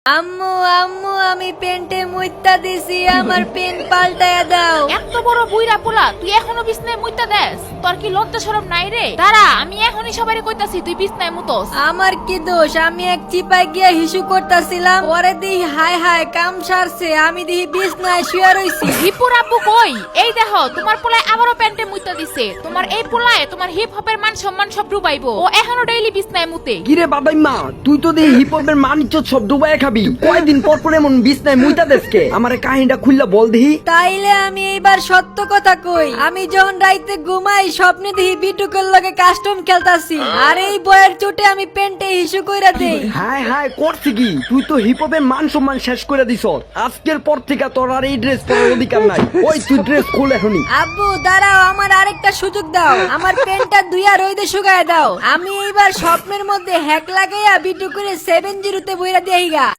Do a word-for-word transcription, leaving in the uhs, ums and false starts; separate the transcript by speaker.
Speaker 1: আম্মু আম্মু আমি পেন্টে মুইত্তা দিছি আমার পেন পাল্টায়া দাও।
Speaker 2: এত বড় বুইরা পোলা তুই এখনো বিছনায় মুইতা দেস? তোর কি লজ্জা শরম নাই রে? দাঁড়া, আমি এখনই সবারে কইতাছি তুই বিছনায় মুতোস।
Speaker 1: আমার কি দোষ? আমি এক চিপায় গিয়া হিসু করতাছিলাম, পরে দিই হায় হায় কাম সারছে, আমি দিই বিছনায় শুয়ে রইছি।
Speaker 2: হিপুর আব্বু কই? এই দেখো তোমার পোলায় আবারও প্যান্টে মুইতা দিছে। তোমার এই পোলায় তোমার হিপ হপের মান সম্মান সব ডুবাইবো। ও এখনো ডেইলি বিছনায় মুতে।
Speaker 3: কিরে বাবাই মা, তুই তো দেখি হিপ হপের মান ইজ্জত সব ডুবাই খাবি। কয়দিন পর পর এমন বিছনায় মুইতা দেশকে? আমারে কাহিনীটা খুললা বল দেহি।
Speaker 1: তাইলে আমি এইবার সত্য কথা কই, আমি যখন রাইতে ঘুমাই স্বপ্নে দিই বিটুকের লগে কাস্টম খেলতাছি, আর এই বয়ের চোটে আমি পেন্টে হিসু কইরা দেই।
Speaker 3: হায় হায় করছি কি? তুই তো হিপ হপের মান সম্মান শেষ করে দিছ। আজকের পর থেকে তোর আর এই ড্রেস পরার অধিকার নাই। ওই তুই ড্রেস খুল এখনই।
Speaker 1: আব্বু দাঁড়াও, আমার আরেকটা সুযোগ দাও, আমার পেনটা ধুইয়া রইদে শুকায় দাও। আমি এইবার স্বপ্নের মধ্যে হ্যাক লাগাইয়া বিটু করে সেভেন জিরোতে বইরা দেই গা।